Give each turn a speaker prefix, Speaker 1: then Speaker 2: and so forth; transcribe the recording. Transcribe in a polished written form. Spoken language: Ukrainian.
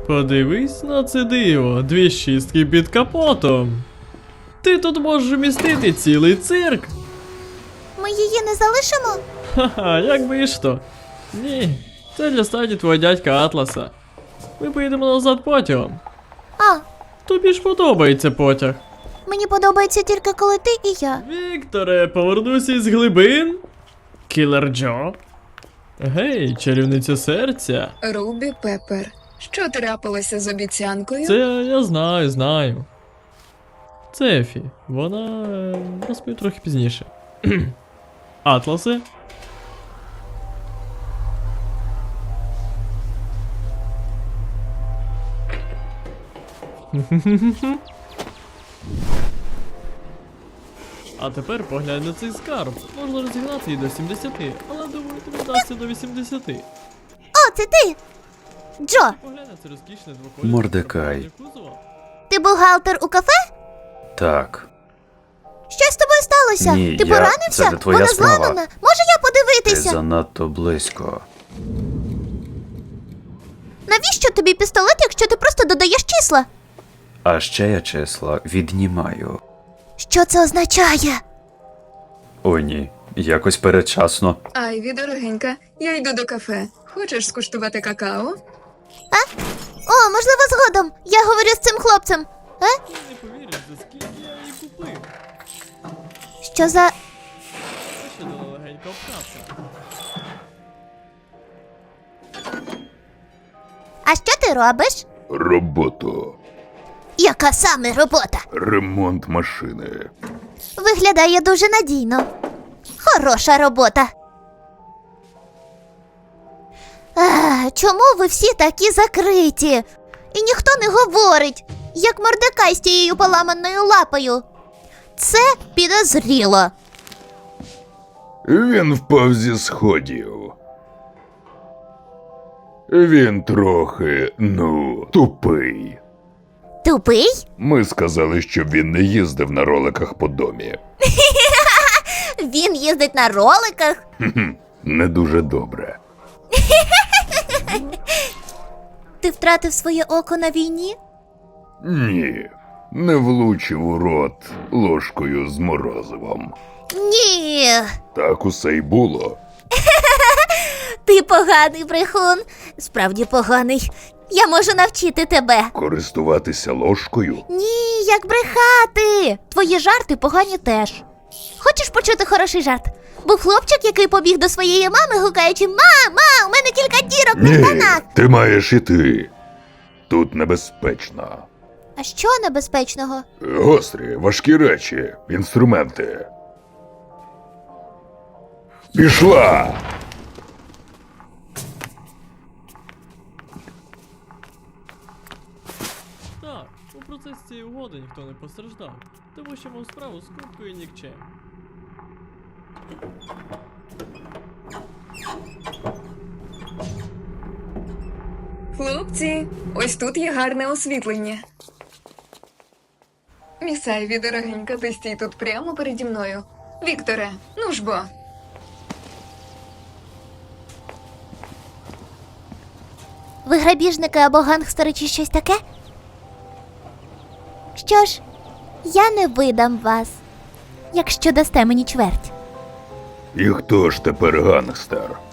Speaker 1: Подивись на це диво, 2 шістки під капотом. Ти тут можеш вмістити цілий цирк.
Speaker 2: Ми її не залишимо?
Speaker 1: Ха-ха, як би і що. Ні, це для стаді твого дядька Атласа. Ми поїдемо назад потягом.
Speaker 2: А,
Speaker 1: Тобі ж подобається потяг.
Speaker 2: мені подобається тільки коли ти і я.
Speaker 1: Вікторе, повернуся із глибин. Кілер Джо. Гей, чарівниця серця.
Speaker 3: Рубі Пеппер, що трапилося з обіцянкою?
Speaker 1: Це я знаю. Це Ефі. Вона розповім трохи пізніше. Атласе? А тепер поглянь на цей скарб. Можна розігнати її до 70, але думаю, тобі вдасться до 80.
Speaker 2: О, це ти! Джо,
Speaker 1: Поглянь на це розкішне двоколісне
Speaker 4: Мордекай.
Speaker 1: кузова.
Speaker 2: ти бухгалтер у кафе?
Speaker 4: Так.
Speaker 2: Що з тобою сталося?
Speaker 4: Ні,
Speaker 2: ти
Speaker 4: я-
Speaker 2: поранився?
Speaker 4: це не твоя
Speaker 2: Вона
Speaker 4: справа.
Speaker 2: зламана. Може я
Speaker 4: Ти
Speaker 2: подивитися?
Speaker 4: занадто близько.
Speaker 2: Навіщо тобі пістолет, якщо ти просто додаєш числа?
Speaker 4: А ще я числа віднімаю.
Speaker 2: Що це означає?
Speaker 4: О, ні. Якось передчасно.
Speaker 3: Айві, дорогенька, я йду до кафе. Хочеш скуштувати какао?
Speaker 2: О, можливо, згодом. Я говорю з цим хлопцем.
Speaker 1: Ти не повіриш, за скільки я її купив.
Speaker 2: Що за...
Speaker 1: Це ще дала легенька обкатка.
Speaker 2: А що ти робиш?
Speaker 5: Роботу.
Speaker 2: Яка саме робота?
Speaker 5: Ремонт машини.
Speaker 2: Виглядає дуже надійно. Хороша робота. Чому ви всі такі закриті? І ніхто не говорить, як Мордекай з тією поламаною лапою. Це підозріло.
Speaker 5: Він впав зі сходів. Він трохи, тупий.
Speaker 2: Тупий?
Speaker 5: Ми сказали, щоб він не їздив на роликах по домі.
Speaker 2: Він їздить на роликах?
Speaker 5: Не дуже добре.
Speaker 2: Ти втратив своє око на війні?
Speaker 5: Ні, не влучив у рот ложкою з морозивом.
Speaker 2: Ні.
Speaker 5: Так усе й було.
Speaker 2: Ти поганий брехун. Справді поганий. Я можу навчити тебе.
Speaker 5: Користуватися ложкою?
Speaker 2: Ні, як брехати. Твої жарти погані теж. Хочеш почути хороший жарт? Був хлопчик, який побіг до своєї мами, гукаючи: «Мама, у мене кілька дірок на
Speaker 5: Ні,
Speaker 2: штанах!»
Speaker 5: ти маєш іти. Тут небезпечно.
Speaker 2: А що небезпечного?
Speaker 5: Гострі, важкі речі, інструменти. Пішла!
Speaker 1: Так, у процесі цієї угоди ніхто не постраждав, тому що мав справу з купкою нікчем.
Speaker 3: Хлопці, ось тут є гарне освітлення. Міс Айві, дорогенька, ти стій тут прямо переді мною. Вікторе, ну ж бо.
Speaker 2: Ви грабіжники або гангстери чи щось таке? Що ж, я не видам вас, якщо дасте мені чверть.
Speaker 5: І хто ж тепер гангстер?